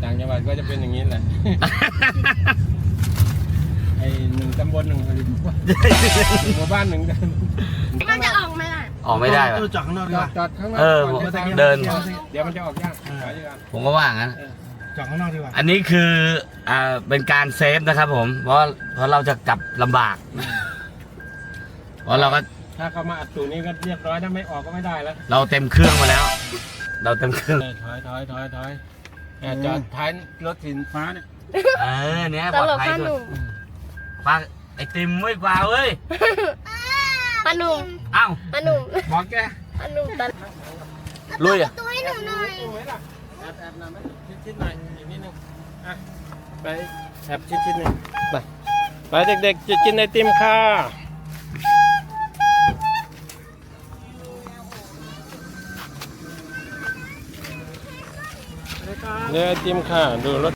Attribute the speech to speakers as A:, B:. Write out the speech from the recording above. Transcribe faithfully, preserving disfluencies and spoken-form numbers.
A: ต่างจังหวัดก็จะเป็นอย่างนี้แหละ ไอ้หนึ่งตำบลหนึ่งหมู่บ้านหนึ่ง
B: มันจะออกไหมล่ะ
C: ออกไม่ได้
D: เออจอดข้างนอกดี
A: จ
D: ก
A: อ
D: ว่า
A: ดจอดข้างนอก
C: เออ
A: ก่จะ
C: เดิน
A: เดี๋ยวมันจะออกยากถอยดีกว่า
C: ผมก็ว่างั้น
D: จอดข้างนอกดีกว่า
C: อันนี้คืออ่าเป็นการเซฟนะครับผม เพราะเพราะเราจะกลับลำบาก เพราะเราก็
A: ถ้าเขามาอัดตูนี้ก็เรียบร้อยถ้าไม่ออกก็ไม่ได้แล้ว
C: เราเต็มเครื่องมาแล้ว เราเต็มเครื่อง
A: ถอยถอยถอยถอยแอบจอดท้ายรถสินฟ้าเนี่ย
C: เออเนี้ย
B: ต
C: ปลอด
B: ลก
C: ภัย
B: ป้าห
C: สุด
B: นุ่ม
C: ปลาไอติมไม่กว่าเว้ย
B: ป้าหนุ่ม
C: เอ้า
B: ป้าหนุ่ม
A: บอกแก
B: ป้าหนุ่มตลก
C: ลุยอ่ะ
B: ตัวให้หนูหน่อย
A: ดูไหมล่ะแอบแอบหน่อยไหมชิดชิดหน่อยอีกนิดนึงอ่ะไปแอบชิดชิดหนึ่งไปไปเด็กๆจะกินไอติมค่ะเนี่ยไอติมค่ะดูรถ